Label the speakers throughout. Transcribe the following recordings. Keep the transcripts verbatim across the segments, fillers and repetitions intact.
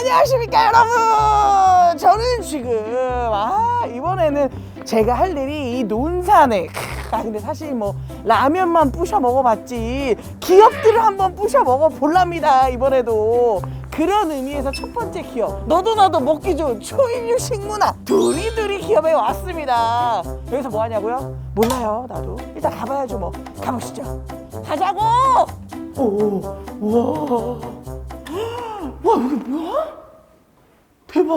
Speaker 1: 안녕하십니까 여러분. 저는 지금 아 이번에는 제가 할 일이 이 논산에 아 근데 사실 뭐 라면만 부셔 먹어봤지 기업들을 한번 부셔 먹어볼랍니다 이번에도. 그런 의미에서 첫 번째 기업, 너도 나도 먹기 좋은 초일류 식문화 두리두리 기업에 왔습니다. 여기서 뭐 하냐고요? 몰라요 나도. 일단 가봐야죠 뭐. 가보시죠. 가자고. 오, 와, 와 여기 뭐야? 대박.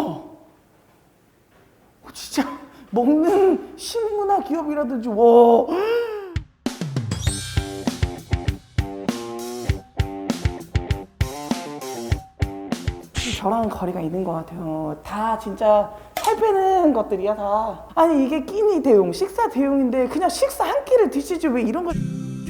Speaker 1: 어, 진짜 먹는 식문화 기업이라든지 와. 저랑 거리가 있는 것 같아요. 다 진짜 살 빼는 것들이야 다. 아니 이게 끼니 대용, 식사 대용인데 그냥 식사 한 끼를 드시지 왜 이런 걸.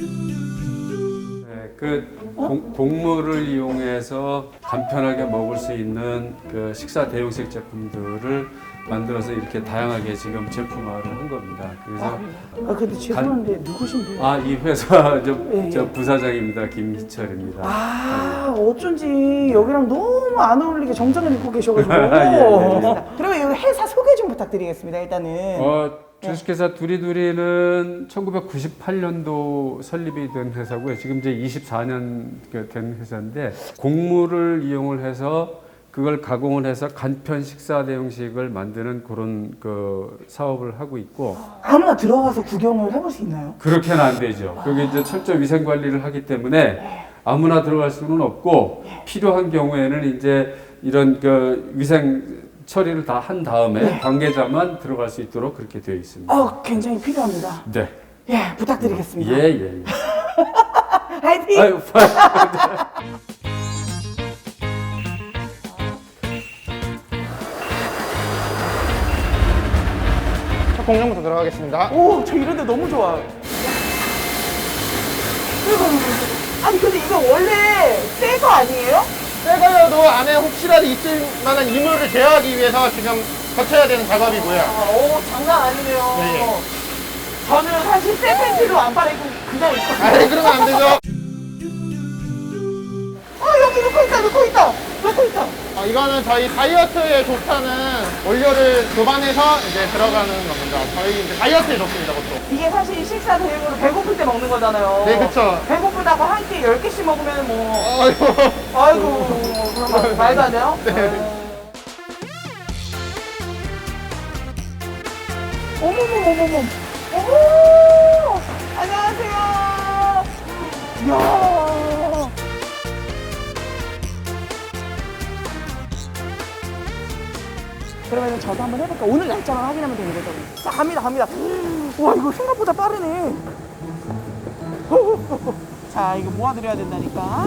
Speaker 2: 네, 그 공, 곡물을 이용해서 간편하게 먹을 수 있는 그 식사 대용식 제품들을 만들어서 이렇게 다양하게 지금 제품화를 한 겁니다. 그래서
Speaker 1: 아, 아 근데 죄송한데 누구신데요?
Speaker 2: 아, 이 회사 저,
Speaker 1: 예, 예.
Speaker 2: 저 부사장입니다. 김희철입니다.
Speaker 1: 아 어쩐지 여기랑 너무 안 어울리게 정장을 입고 계셔가지고.
Speaker 2: 예, 예.
Speaker 1: 그러면 여기 회사 소개 좀 부탁드리겠습니다 일단은.
Speaker 2: 어, 주식회사 두리두리는 천구백구십팔 년도 설립이 된 회사고요. 지금 이제 이십사 년 된 회사인데 곡물을 이용을 해서 그걸 가공을 해서 간편 식사 대용식을 만드는 그런 그 사업을 하고 있고.
Speaker 1: 아무나 들어가서 구경을 해볼 수 있나요?
Speaker 2: 그렇게는 안 되죠. 여기 이제 철저 위생 관리를 하기 때문에 아무나 들어갈 수는 없고 필요한 경우에는 이제 이런 그 위생 처리를 다 한 다음에
Speaker 1: 네.
Speaker 2: 관계자만 들어갈 수 있도록 그렇게 되어 있습니다.
Speaker 1: 어 굉장히 필요합니다.
Speaker 2: 네.
Speaker 1: 예 부탁드리겠습니다.
Speaker 2: 예, 예, 예.
Speaker 1: 화이팅!
Speaker 2: 아유,
Speaker 3: 첫 공정부터 들어가겠습니다.
Speaker 1: 오, 저 이런 데 너무 좋아요. 아니, 근데 이거 원래 새 거 아니에요?
Speaker 3: 새거여도 안에 혹시라도 있을 만한 이물을 제어하기 위해서 지금 거쳐야 되는 작업이고요.
Speaker 1: 아, 오, 장난 아니네요.
Speaker 3: 네.
Speaker 1: 저는 사실 새 팬티로 안 빨아입고 그냥 입거든요.
Speaker 3: 아, 그러면 안 되죠.
Speaker 1: 어, 여기 넣고 있다, 넣고 있다, 넣고 있다.
Speaker 3: 어, 이거는 저희 다이어트에 좋다는 원료를 교반해서 이제 들어가는 겁니다. 저희 이제 다이어트에 좋습니다, 보통.
Speaker 1: 이게 사실 식사 대용으로 배고플 때 먹는 거잖아요.
Speaker 3: 네, 그쵸.
Speaker 1: 배고프다고 한 끼 열 개씩 먹으면 뭐.
Speaker 3: 아이고.
Speaker 1: 아이고, 그러면 말도 안 돼요?
Speaker 3: 네.
Speaker 1: 어머머머머머. 어머! 안녕하세요. 이야. 그러면 저도 한번 해볼까? 오늘 날짜만 확인하면 되는 거죠? 자, 갑니다, 갑니다. 와, 이거 생각보다 빠르네. 자, 이거 모아드려야 된다니까.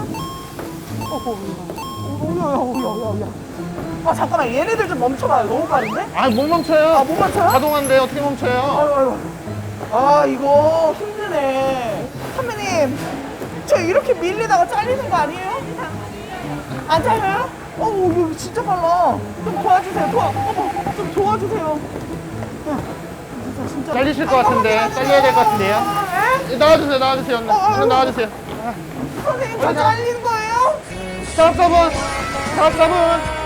Speaker 1: 오야야야야야. 아, 잠깐만, 얘네들 좀 멈춰봐요. 너무 빠른데?
Speaker 3: 아, 못 멈춰요.
Speaker 1: 아, 못 멈춰요?
Speaker 3: 자동화인데 어떻게 멈춰요?
Speaker 1: 아유, 아유. 아, 이거 힘드네. 선배님, 저 이렇게 밀리다가 잘리는 거 아니에요? 안 잘려요? 어, 이거 진짜 빨라. 좀 도와주세요. 도와, 어머, 좀 도와주세요. 야, 진짜, 진짜.
Speaker 3: 잘리실 것 같은데. 잘려야 될 것 같은데요.
Speaker 1: 네?
Speaker 3: 나와주세요, 나와주세요. 얼른 나와주세요.
Speaker 1: 선생님, 저 잘리는 거예요?
Speaker 3: 작업자분! 작업자분!